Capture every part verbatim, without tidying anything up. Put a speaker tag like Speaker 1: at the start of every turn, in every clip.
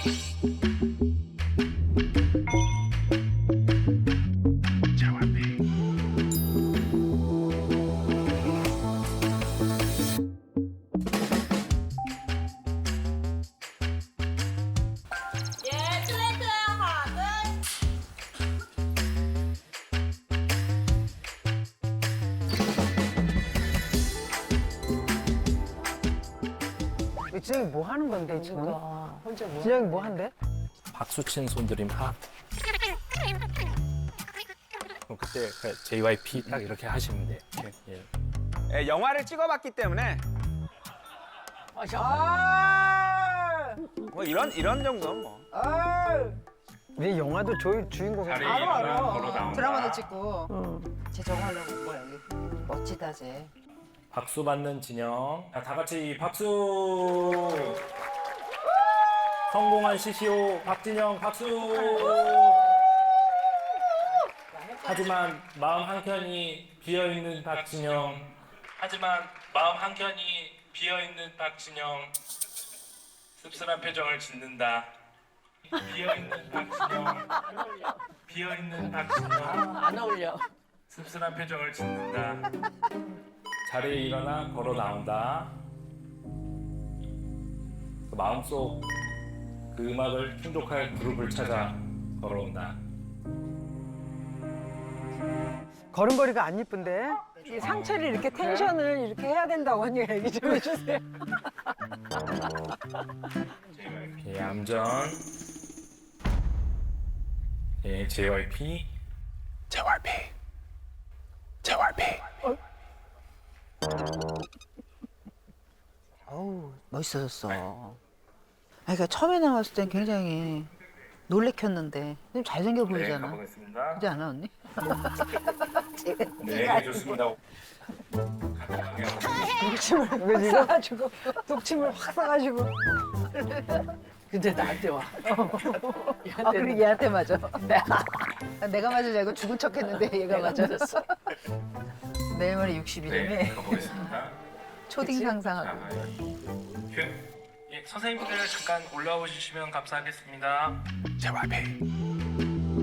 Speaker 1: 예, 플레이트요. 하나,
Speaker 2: 진영이 뭐 하는 건데 지금? 혼자 뭐? 진영이 뭐 한대?
Speaker 3: 박수 치는 손들임 하. 그럼 그때 그 제이와이피 딱 이렇게 하시면 돼. 예.
Speaker 4: 예, 영화를 찍어봤기 때문에
Speaker 2: 아!
Speaker 4: 뭐 이런 이런 정도는 뭐.
Speaker 2: 네 영화도 조 주인공이
Speaker 5: 알아 알아.
Speaker 6: 드라마도 찍고. 쟤 저거 하려고 온 거야 여기. 멋지다 쟤.
Speaker 3: 박수 받는 진영. 자, 다 같이 박수. 성공한 시시오 박진영 박수. 하지만 마음 한켠이 비어 있는 박진영. 하지만 마음 한켠이 비어 있는 박진영. 씁쓸한 표정을 짓는다. 비어 있는 박진영. 비어 있는 박진영.
Speaker 1: 안 어울려.
Speaker 3: 씁쓸한 표정을 짓는다. 자리에 일어나 걸어 나온다. 그 마음속 그 음악을 충족할 그룹을 찾아 걸어온다.
Speaker 2: 걸음걸이가 안 이쁜데? 이 상체를 이렇게 텐션을 이렇게 해야 된다고 언니가 얘기 좀 해주세요.
Speaker 3: 예, 암전. 예, 제이와이피. 제이와이피. 제이와이피.
Speaker 6: 어우 멋있어졌어. 아, 그러니까 처음에 나왔을 땐 굉장히 놀래켰는데 좀 잘생겨
Speaker 3: 네,
Speaker 6: 보이잖아.
Speaker 3: 가보겠습니다.
Speaker 6: 그렇지 않아 언니?
Speaker 3: 네, 좋습니다.
Speaker 2: 독침을 왜 싸가지고 독침을 확 싸가지고.
Speaker 1: 근데 나한테 와.
Speaker 6: 아 그리고 얘한테 맞아. 내가 맞을 줄 알고 죽은 척했는데 얘가 맞았어. 내일 모레 육십일이면
Speaker 3: 네, 가보겠습니다.
Speaker 6: 초딩 상상하고.
Speaker 3: 자, 큐. 예, 선생님들 잠깐 올라와 주시면 감사하겠습니다. 제이와이피.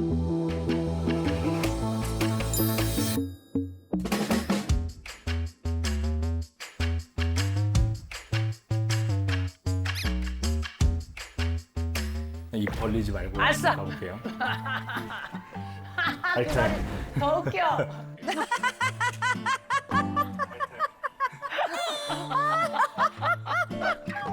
Speaker 3: 입 벌리지 말고
Speaker 1: 알았어.
Speaker 3: 가볼게요. 발전.
Speaker 1: 더 웃겨.